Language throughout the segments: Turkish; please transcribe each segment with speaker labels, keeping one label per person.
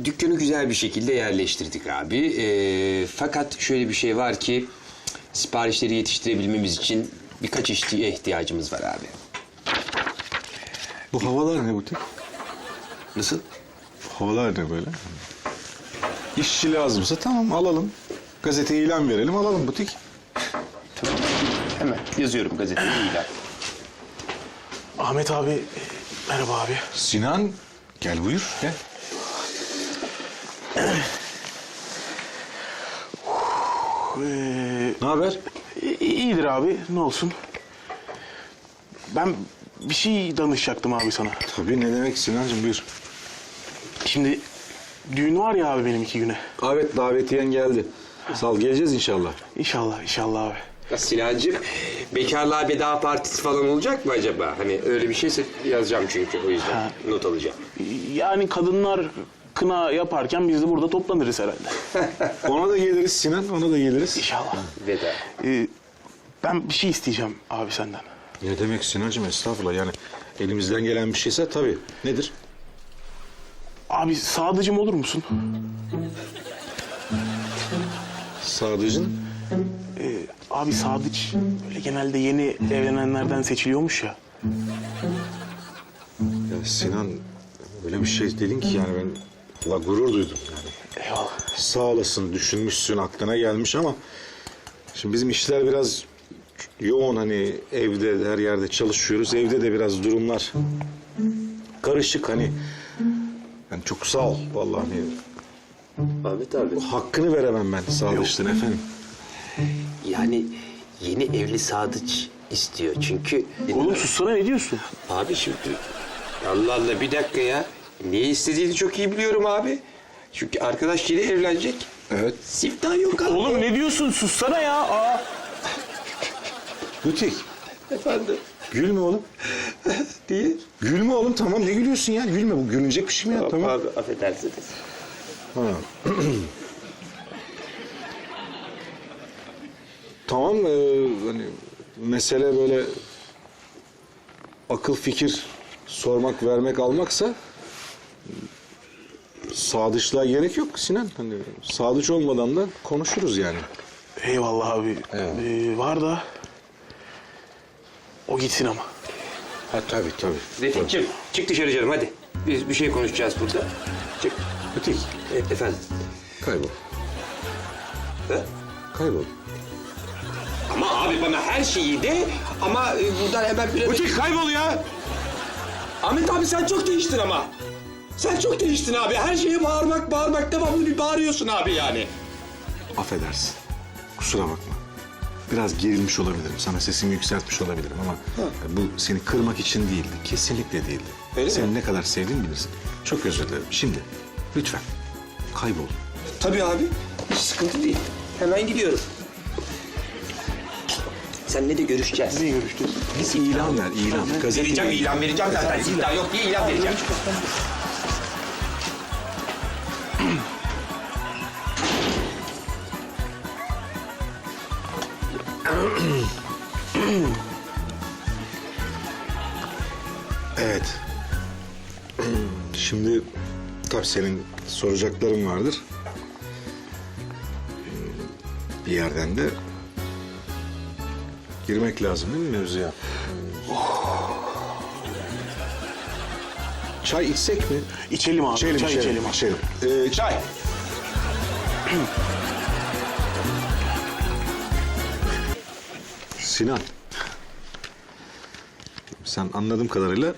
Speaker 1: dükkanı güzel bir şekilde yerleştirdik abi. Fakat şöyle bir şey var ki siparişleri yetiştirebilmemiz için birkaç işçiye ihtiyacımız var abi.
Speaker 2: Bu havalar ne butik?
Speaker 1: Nasıl?
Speaker 2: Bu havalar ne böyle? İşçi lazımsa tamam alalım. Gazeteye ilan verelim alalım butik.
Speaker 1: Tamam. Hemen yazıyorum gazeteye ilan.
Speaker 3: Ahmet abi, merhaba abi.
Speaker 2: Sinan gel buyur gel. Ne haber?
Speaker 3: İyidir abi, ne olsun. Ben bir şey danışacaktım abi sana.
Speaker 2: Tabii ne demek Sinancığım buyur.
Speaker 3: Şimdi düğün var ya abi benim 2 güne.
Speaker 2: Evet davetiyen geldi. Sal geleceğiz inşallah.
Speaker 3: İnşallah, inşallah abi.
Speaker 1: Sinancığım, bekarlığa veda partisi falan olacak mı acaba? Hani öyle bir şeyse yazacağım çünkü o yüzden not alacağım.
Speaker 3: Yani kadınlar kına yaparken biz de burada toplanırız herhalde.
Speaker 2: Ona da geliriz Sinan ona da geliriz.
Speaker 3: İnşallah.
Speaker 1: Veda.
Speaker 3: Ben bir şey isteyeceğim abi senden.
Speaker 2: Ne demek Sinancığım estağfurullah yani elimizden gelen bir şeyse tabii. Nedir?
Speaker 3: Abi sadıcım olur musun?
Speaker 2: Sadıcın.
Speaker 3: Abi sadıç böyle genelde yeni evlenenlerden seçiliyormuş ya.
Speaker 2: Ya Sinan öyle bir şey dedin ki yani ben Allah gurur duydum yani.
Speaker 3: Eyvallah.
Speaker 2: Sağ olasın düşünmüşsün aklına gelmiş ama şimdi bizim işler biraz yoğun hani evde her yerde çalışıyoruz. Evde de biraz durumlar karışık hani. Yani çok sağ ol vallahi hani
Speaker 1: Ahmet abi.
Speaker 2: hakkını veremem ben Sadıç'tın efendim.
Speaker 1: Yani yeni evli sadıç istiyor çünkü...
Speaker 3: Oğlum sussana ne diyorsun?
Speaker 1: Abi şimdi... Allah Allah bir dakika ya. Ne istediğini çok iyi biliyorum abi. Çünkü arkadaş yeni evlenecek.
Speaker 2: Evet.
Speaker 1: Siftah yok abi.
Speaker 3: Oğlum ne diyorsun? Sussana ya. Aa.
Speaker 2: Butik.
Speaker 1: Efendim?
Speaker 2: Gülme oğlum.
Speaker 1: Diye.
Speaker 2: Gülme oğlum tamam ne gülüyorsun ya? Gülme bu gülünecek bir şey mi ya? Tamam.
Speaker 1: Abi affedersiniz.
Speaker 2: Ha. Tamam hani mesele böyle akıl fikir sormak vermek almaksa sadıçlığa gerek yok Sinan. Hani sadıç olmadan da konuşuruz yani.
Speaker 3: Eyvallah abi.
Speaker 2: Eyvallah.
Speaker 3: Var da o gitsin ama.
Speaker 2: Ha tabii.
Speaker 1: Refik'cim çık dışarı canım hadi. Biz bir şey konuşacağız burada. Çık.
Speaker 2: Butik
Speaker 1: Efendim?
Speaker 2: kaybol.
Speaker 1: Ha?
Speaker 2: Kaybol.
Speaker 1: Ama abi bana her şeyi de ama buradan hemen bir...
Speaker 2: Butik kaybol ya.
Speaker 1: Ahmet abi sen çok değiştin ama. Sen çok değiştin abi. Her şeye bağırmak devamlı bir bağırıyorsun abi yani.
Speaker 2: Affedersin. Kusura bakma. Biraz gerilmiş olabilirim. Sana sesimi yükseltmiş olabilirim ama bu seni kırmak için değildi. Kesinlikle değildi.
Speaker 1: Öyle
Speaker 2: Seni
Speaker 1: mi?
Speaker 2: ne kadar sevdiğimi bilirsin. Çok özür dilerim. Şimdi lütfen kaybol.
Speaker 1: Tabii abi. Hiç sıkıntı değil. Hemen gidiyorum. Seninle de görüşeceğiz.
Speaker 3: Ne görüştük?
Speaker 2: Biz ilan ver, ilan. Gazete
Speaker 1: Vereceğim ilan vereceğim zaten. Siftah yok diye ilan vereceğim.
Speaker 2: Evet. Şimdi tabii senin soracakların vardır. Bir yerden de girmek lazım değil mi mevzuya? Çay içsek mi?
Speaker 3: İçelim abi. Çay içelim abi.
Speaker 2: içelim. Çay. Sinan. Sen anladığım kadarıyla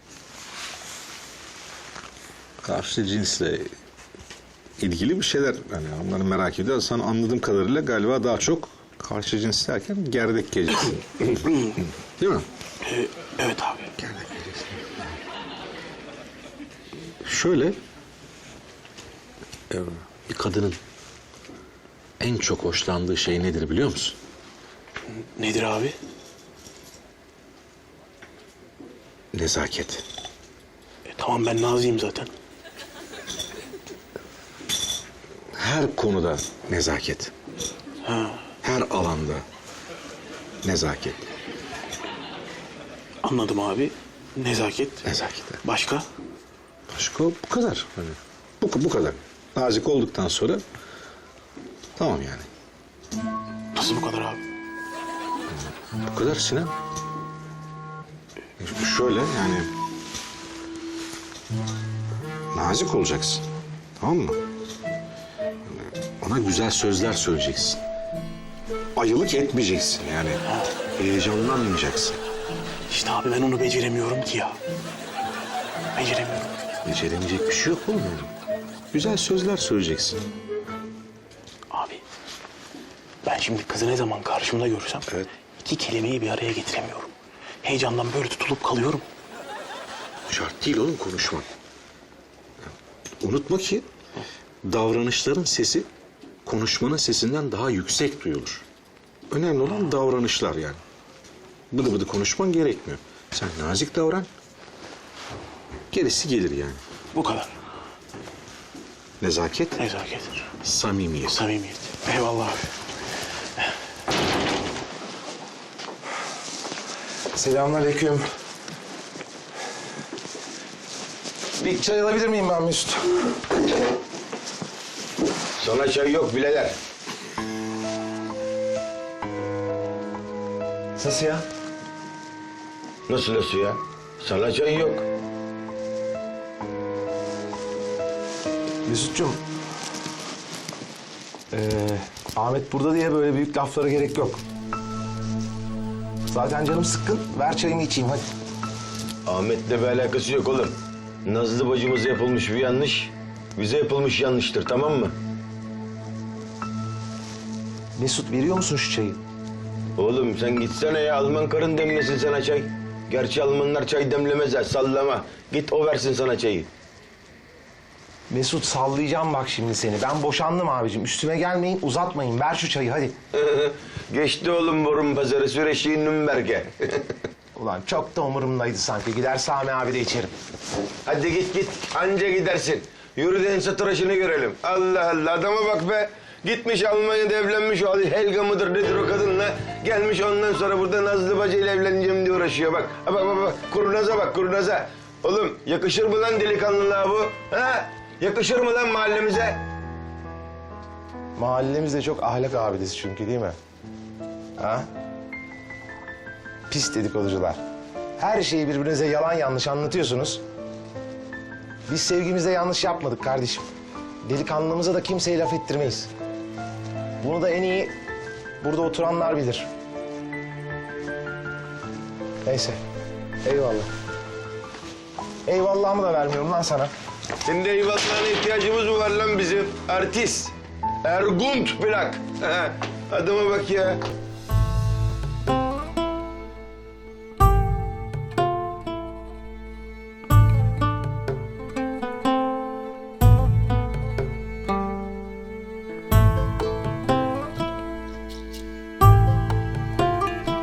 Speaker 2: karşı cinsle ilgili bir şeyler hani onları merak ediyor. Sen anladığım kadarıyla galiba daha çok karşı cins derken gerdek gecesi. Değil mi?
Speaker 3: Evet abi.
Speaker 2: Gerdek gecesi. Şöyle bir kadının en çok hoşlandığı şey nedir biliyor musun?
Speaker 3: Nedir abi?
Speaker 2: Nezaket.
Speaker 3: Tamam ben naziyim zaten.
Speaker 2: Her konuda nezaket.
Speaker 3: Ha,
Speaker 2: Her alanda nezaket.
Speaker 3: anladım abi. Nezaket.
Speaker 2: Nezaket.
Speaker 3: Başka?
Speaker 2: Başka bu kadar. Hani Bu kadar. Nazik olduktan sonra tamam yani.
Speaker 3: Nasıl bu kadar abi?
Speaker 2: Bu kadar Sinan. Şöyle yani... Nazik olacaksın. Tamam mı? Ona güzel sözler söyleyeceksin. Ayılık etmeyeceksin yani. Heyecanlanmayacaksın.
Speaker 3: İşte abi ben onu beceremiyorum ki ya. Beceremiyorum.
Speaker 2: Beceremeyecek bir şey yok oğlum yani. Güzel sözler söyleyeceksin.
Speaker 3: Abi ben şimdi kızı ne zaman karşımda görsem
Speaker 2: Evet.
Speaker 3: iki kelimeyi bir araya getiremiyorum. Heyecandan böyle tutulup kalıyorum.
Speaker 2: Şart değil oğlum konuşman. Unutma ki davranışların sesi konuşmanın sesinden daha yüksek duyulur. Önemli olan davranışlar yani. Bıdı bıdı konuşman gerekmiyor. Sen nazik davran. Gerisi gelir yani.
Speaker 3: Bu kadar.
Speaker 2: Nezaket,
Speaker 3: Nezaket,
Speaker 2: samimiyet.
Speaker 3: samimiyet. Eyvallah abi.
Speaker 4: Selamünaleyküm. Bir çay alabilir miyim ben Mesut?
Speaker 5: Sana çay yok bileler.
Speaker 4: Nasıl ya?
Speaker 5: Nasıl ya? Sana çay yok.
Speaker 4: Mesut'cum. Ahmet burada diye böyle büyük laflara gerek yok. Zaten canım sıkkın. Ver çayımı içeyim hadi.
Speaker 5: Ahmet'le bir alakası yok oğlum. Nazlı bacımıza yapılmış bir yanlış, bize yapılmış yanlıştır, tamam mı?
Speaker 4: Mesut veriyor musun şu çayı?
Speaker 5: Oğlum sen gitsene ya, Alman karın demlesin sana çay. Gerçi Almanlar çay demlemezler, sallama. Git o versin sana çayı.
Speaker 4: Mesut sallayacağım bak şimdi seni. Ben boşandım abicim. Üstüme gelmeyin, uzatmayın. Ver şu çayı hadi.
Speaker 5: Geçti oğlum borun pazarı, süreçliğin Nürnberg'e.
Speaker 4: Ulan çok da umurumdaydı sanki. Gider Sami abi de içerim.
Speaker 5: Hadi git, anca gidersin. Yürü de ense tıraşını görelim. Allah Allah, adama bak be. Gitmiş Almanya'da evlenmiş o Helga mıdır nedir o kadınla. Gelmiş ondan sonra burada Nazlı bacıyla evleneceğim diye uğraşıyor bak. Ha, bak, kurnaza bak, kurnaza. Oğlum yakışır mı lan delikanlılığa bu? Ha? Yakışır mı lan mahallemize?
Speaker 4: Mahallemiz de çok ahlak abidesi çünkü değil mi? Ha? Pis dedikoducular. Her şeyi birbirinize yalan yanlış anlatıyorsunuz. Biz sevgimizde yanlış yapmadık kardeşim. Delikanlımıza da kimseye laf ettirmeyiz. Bunu da en iyi burada oturanlar bilir. Neyse. Eyvallah. Eyvallahımı da vermiyorum lan sana.
Speaker 5: Senin de eyvallahına ihtiyacımız mı var lan bizim? Artist. Ergunt plak. Ha, adama bak ya.